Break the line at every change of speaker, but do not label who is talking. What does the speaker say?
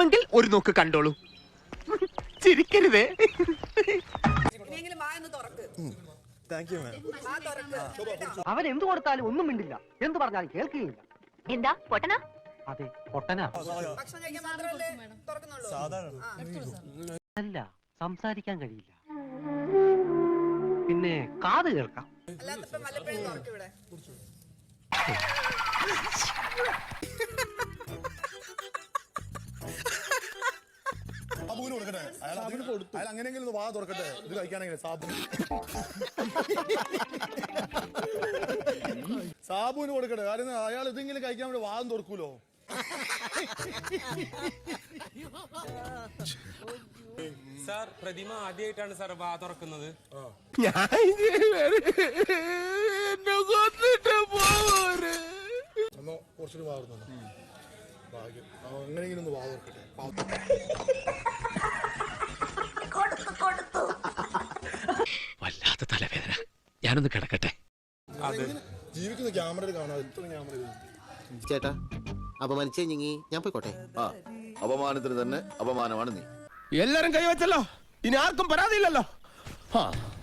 കാണണമെങ്കിൽ ഒരു നോക്ക് കണ്ടോളൂ. ചിരിക്കരുതേ.
അവൻ എന്ത് കൊടുത്താലും ഒന്നും മിണ്ടില്ല, എന്ത് പറഞ്ഞാലും കേൾക്കുകയില്ല.
എന്താ പൊട്ടനാ?
അതെ, പൊട്ടനാ. അല്ല, സംസാരിക്കാൻ കഴിയില്ല, പിന്നെ കാത് കേൾക്കാം.
സാബുവിന് കൊടുക്കട്ടെ, അയാൾ അങ്ങനെയെങ്കിലും വാ തുറക്കട്ടെ. ഇത് കഴിക്കാനെങ്കിലും സാബുവിന് കൊടുക്കട്ടെ. കാരണം അയാൾ ഇതെങ്കിലും കഴിക്കാൻ വേണ്ടി വാദം തുറക്കൂലോ.
സാർ, പ്രതിമ ആദ്യമായിട്ടാണ് സാർ വാ തുറക്കുന്നത്.
കുറച്ചൊരു വാ തുറന്നു. ഭാഗ്യം, എങ്ങനെയെങ്കിലും ഒന്ന് വാ തുറക്കട്ടെ.
വല്ലാത്ത തലവേദന, ഞാനൊന്ന് കിടക്കട്ടെ.
ജീവിക്കുന്ന ക്യാമറയിൽ കാണാം. എത്ര ക്യാമറ
ചേട്ടാ, അപമാനിച്ചെങ്കിൽ ഞാൻ പോയിക്കോട്ടെ.
അപമാനത്തിന് തന്നെ അപമാനമാണ് നീ.
എല്ലാരും കൈവച്ചല്ലോ, ഇനി ആർക്കും പരാതിയില്ലല്ലോ.